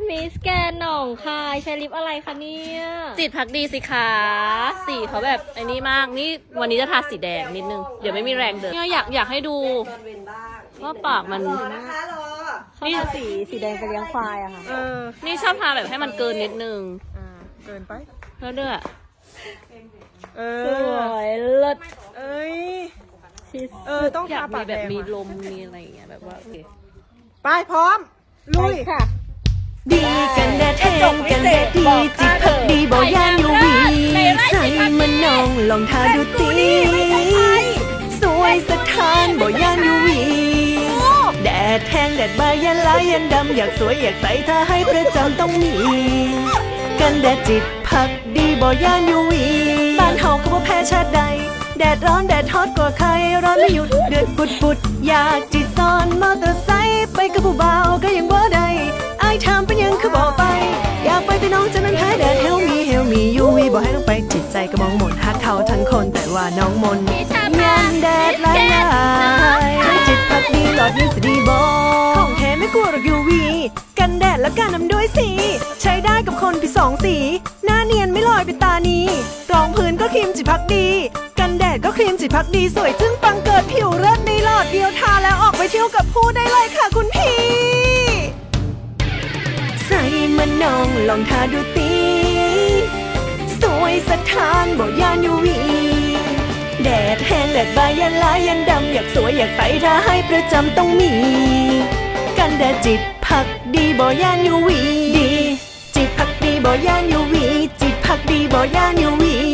มิสแกนหนองคายใช้ลิปอะไรคะเนี่ยจิตพักดีสิคะสีเขาแบบไอ้นี่มากนี่วันนี้จะทาสีแดงนิดนึงเดี๋ยวไม่มีแรงเดินเนี่ยอยากให้ดูว่าปากมันนี่สีแดงไปเลี้ยงควายอะค่ะนี่ชอบทาแบบให้มันเกินนิดนึงเกินไปแล้วเด้อสวยเลิศเอ้ยต้องทาปากแบบมีลมมีอะไรอย่างเงี้ยแบบว่าโอเคไปพร้อมลุยค่ะดีกันแดดแห้งกันแดดดีจิตพักดีบ่ยานยูวีใส่มันนองลองทาดูตีสวยสถานบ่ยานยูวีแดดแห้งแดดบายันลายยันดำอยากสวยอยากใส่ถ้าให้ประจำต้องมีกันแดดจิตพักดีบ่ยานยูวีบ้านเฮาก็บ่แพ้ชาติใดแดดร้อนแดดฮอตกว่าใครร้อนไม่หยุดเดือดปุดอยากจิตซ้อนมอเตอร์ไซค์ไปกับผู้บ่าวก็ยังบ่ได้อายถามเป็นยังคือบอกไปอยากไปแต่น้องจะนั้นแพ้แดดเฮลมียูวีบอกให้น้องไปจิตใจก็มองหมดหักเขาทั้งคนแต่ว่าน้องมนยันแดดลายจิตพักดีหลอดนี้สดีบอของแท้ไม่กลัวหรอกยูวีกันแดดและกันนำด้วยสีใช้ได้กับคนที่สองสีหน้าเนียนไม่ลอยเป็นตานีรองพื้นก็ครีมจิตพักดีกันแดดก็ครีมจิตพักดีสวยจึ้งปังเกิดผิวเลิศในหลอดเดียวทาแล้วออกไปเที่ยวกับผู้ได้เลยค่ะคุณพี่ใส่มันนองลองทาดูตีสวยสถานบ่ยานยูวีแดดแห้งแดดบายยันลายยันดำอยากสวยอยากใส่ถ้าให้ประจำต้องมีกันแดดจิตพักดีบ่ยานยูวีดีจิตพักดีบ่ยานยูวีจิตพักดีบ่ยานยูวี